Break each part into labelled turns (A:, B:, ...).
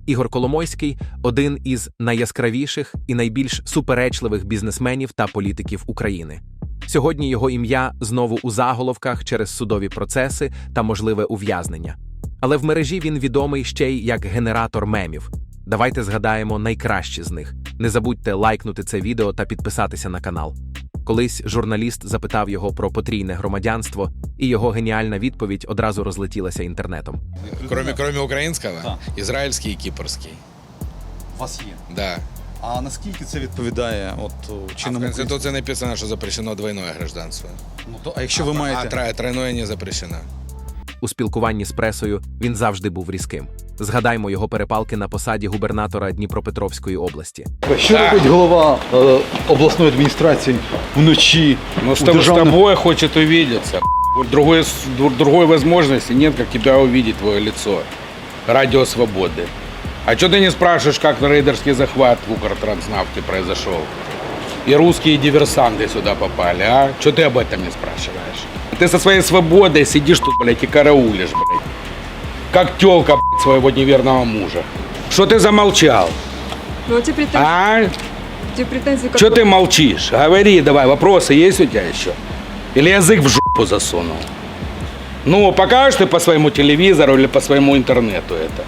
A: Ігор Коломойський – один із найяскравіших і найбільш суперечливих бізнесменів та політиків України. Сьогодні його ім'я знову у заголовках через судові процеси та можливе ув'язнення. Але в мережі він відомий ще й як генератор мемів. Давайте згадаємо найкращі з них. Не забудьте лайкнути це відео та підписатися на канал. Колись журналіст запитав його про потрійне громадянство, і його геніальна відповідь одразу розлетілася інтернетом.
B: Кроме українського,
C: Так.
B: ізраїльський і кіпрський.
C: У вас є.
B: Да.
C: А наскільки це відповідає
B: В
C: чинному
B: Конституції написано, що запрещено двойное гражданство.
C: А якщо ви маєте...
B: А тройное не запрещено.
A: У спілкуванні з пресою він завжди був різким. Згадаймо його перепалки на посаді губернатора Дніпропетровської області.
C: Що робить голова обласної адміністрації вночі?
D: Но с тобой хочет увидеться. Другой возможности нет, как тебя увидеть, твое лицо. Радио Свободы. А что ты не спрашиваешь, как рейдерский захват в Укртранснафте произошел? И русские диверсанты сюда попали, а? Что ты об этом не спрашиваешь? Ты со своей свободой сидишь тут, блядь, и караулишь, блядь. Как тёлка, блядь, своего неверного мужа. Что ты замолчал?
E: Ну, эти претензии,
D: А?
E: эти претензии
D: Что ты молчишь? Говори давай, вопросы есть у тебя еще? Или язык в жопу засунул? Ну, покажешь ты по своему телевизору или по своему интернету это?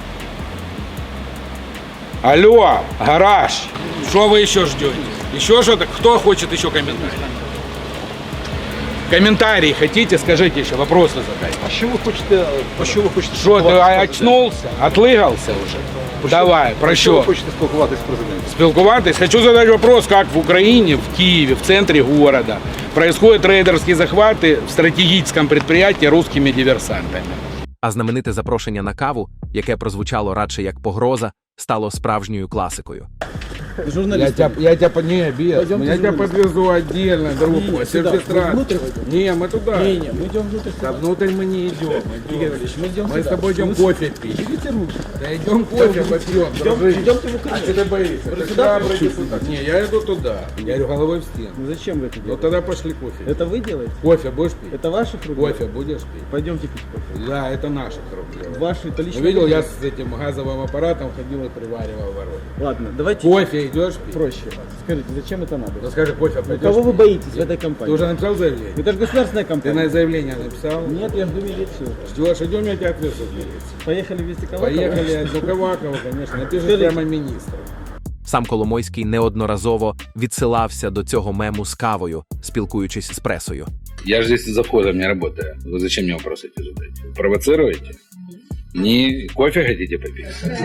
D: Алло, гараж, что вы еще ждете? Еще что-то? Кто хочет еще комментарий? Комментарии хотите? Скажите еще, вопросы задайте.
C: А що ви хочете? Про що ви хочете?
D: Что, ты
C: спілкуватися з президентом?
D: очнулся? Отлыгался уже? Давай, про
C: Про що ви
D: что?
C: хочете спілкуватися з президентом?
D: Спілкуватись. Хочу задать вопрос, как в Украине, в Киеве, в центре города происходят рейдерские захваты в стратегическом предприятии русскими диверсантами.
A: А знамените запрошення на каву, яке прозвучало радше як погроза, стало справжньою класикою.
D: Я тебя не без. Я тебя подвезу отдельно, друг мой. Не, мы туда.
F: Мы идем внутрь.
D: Да внутрь мы не идем.
F: Мы идем
D: Мы с
F: сюда.
D: тобой идем кофе пить.
F: Берите руки.
D: Да идем кофе попьем, дружище.
F: Идемте в
D: А
F: Украину.
D: что ты боишься?
F: Вы
D: Ты
F: сюда
D: храбрый
F: пришли?
D: депутат. Не, я иду туда. Я иду головой в стену.
F: Ну зачем вы это
D: Ну
F: делаете?
D: тогда пошли кофе.
F: Это вы делаете?
D: Кофе будешь пить?
F: Это ваши руки?
D: Кофе будешь пить?
F: Пойдемте пить кофе.
D: Да, это наших рук дело.
F: Ваши, это лично.
D: Видел,
F: вы
D: я
F: делаете?
D: с этим газовым аппаратом ходил и приваривал ворот.
F: Ладно, давайте
D: Кофе идешь пить?
F: проще. Скажите, зачем это надо?
D: Ну скажи, кофе
F: Ну,
D: пойдешь
F: кого вы
D: пить?
F: боитесь в этой
D: Ты
F: компании?
D: уже написал заявление?
F: Это же государственная
D: Ты
F: компания.
D: на заявление написал?
F: Нет, я жду милицию.
D: Ждешь, идем, я тебя отвезу в милицию.
F: Поехали вести кого?
D: Поехали, ну Ковакова, конечно, напишешь
F: Скажи.
D: прямо министру.
A: Сам Коломойський неодноразово відсилався до цього мему з кавою, спілкуючись з пресою.
D: Я же здесь за входом не работаю. Вы зачем мне вопросы эти задаете? Провоцируете? Не кофе хотите попить?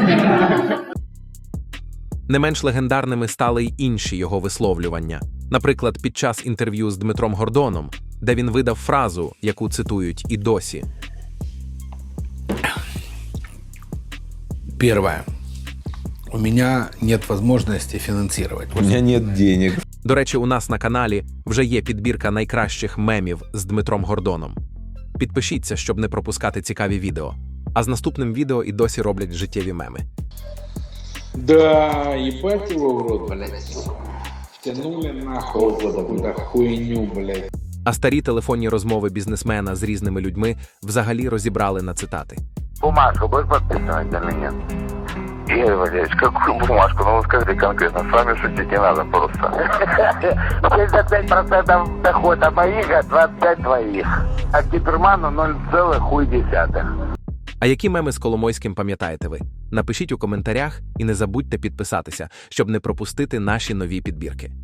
A: Не менш легендарними стали й інші його висловлювання. Наприклад, під час інтерв'ю з Дмитром Гордоном, де він видав фразу, яку цитують і досі.
D: Первое. У меня нет возможности финансировать.
G: У меня нет денег.
A: До речі, у нас на каналі вже є підбірка найкращих мемів з Дмитром Гордоном. Підпишіться, щоб не пропускати цікаві відео. А з наступним відео і досі роблять життєві меми.
D: Да, ебать его в рот, блядь. Тянули нахуй вот эту хуйню, блядь.
A: А старі телефонні розмови бізнесмена з різними людьми взагалі розібрали на цитати.
H: Бумажку будешь подписывать или нет? Игорь Валерьевич, какую бумажку? Ну вы скажите конкретно, с вами шутить не надо просто. 75% дохода моих, а 25 твоих. А Киперману 0,1.
A: А які меми з Коломойським пам'ятаєте ви? Напишіть у коментарях і не забудьте підписатися, щоб не пропустити наші нові підбірки.